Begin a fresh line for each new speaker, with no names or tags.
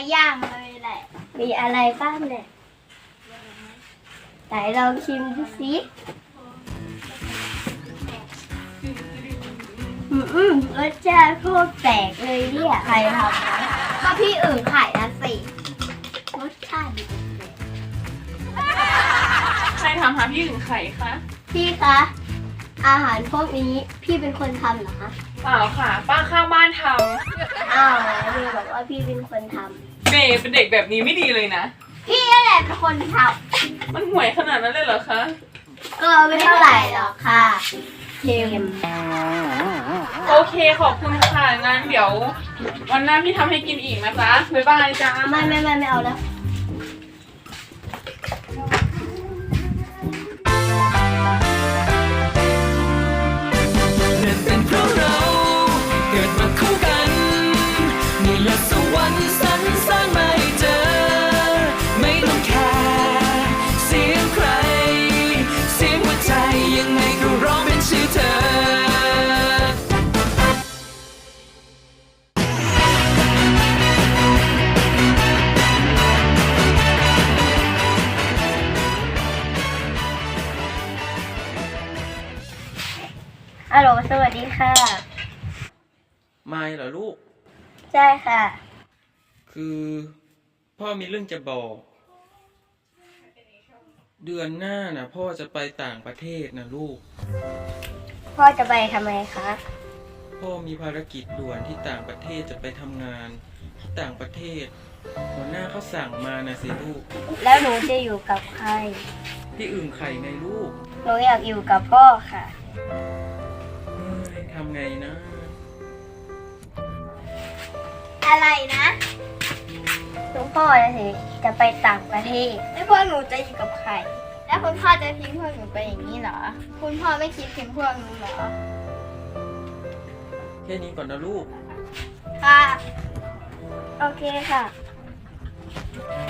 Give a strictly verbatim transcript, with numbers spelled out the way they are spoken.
อย่างเลยแหละมีอะไรบ้างเนี่ยไหนลองชิมดูสิอืมอืมรสชาติโคตรแปลกเลยเนี่ยใครทำนะก็พี่อื่นขายนะสิรสชาติดีแปลก
ใครทำหาพี่ถึงไข่คะ
พี่คะอาหารพวกนี้พี่เป็นคนทำเหรอคะ
เปล่าค่ะ ป้าข้างบ้านท
อ้าวเมย์บอกว่าพี่เป็นคนท
ำเมย์เป็นเด็กแบบนี้ไม่ดีเลยนะ
ำพี่นั่นแหละเป็นคนท
มันห่วยขนาดนั้นเลยเหรอคะ
ำก็ไม่เท่าไหร่หรอกค่ะเค็ม
โอเคขอบคุณค่ะงั้นเดี๋ยว วันหน้าพี่ทำให้กินอีกนะจ๊ะบ๊ายบายจ้า
ไม่ไม่ไม่ไม่เอาแล้ว
นั่นเป็นเพราะเราเกิดมาคู่กันนี่แหละสวรรค์สรรสร้างมาให้เจอไม่ต้องแคร์เสียงใครเสียงหัวใจยังไงก็ร้องเป็นชื่อเธอ
ฮัลโหลสวัสดีค่ะ
ไม่เหรอลูก
ใช่ค่ะ
คือพ่อมีเรื่องจะบอก เดือนหน้านะพ่อจะไปต่างประเทศนะลูก
พ่อจะไปทำไมคะ
พ่อมีภารกิจด่วนที่ต่างประเทศจะไปทำงานที่ต่างประเทศหัวหน้าเขาสั่งมานะสิลูก
แล้วหนูจะอยู่กับใคร
ที่อื่นไข่ไงลูก
หนูอยากอยู่กับพ่อค่ะ
เฮ้ยทำไงนะ
อะไรนะคุณพ่อนะสิจะไปต่างประเทศแล้วพวกหนูจะอยู่กับใคร แล้วคุณพ่อจะทิ้งพวกหนูไปอย่างนี้เหรอ คุณพ่อไม่คิดถึงพวกหนูเหรอ
แค่นี้ก่อนนะลูก
ค่ะ โอเคค่ะ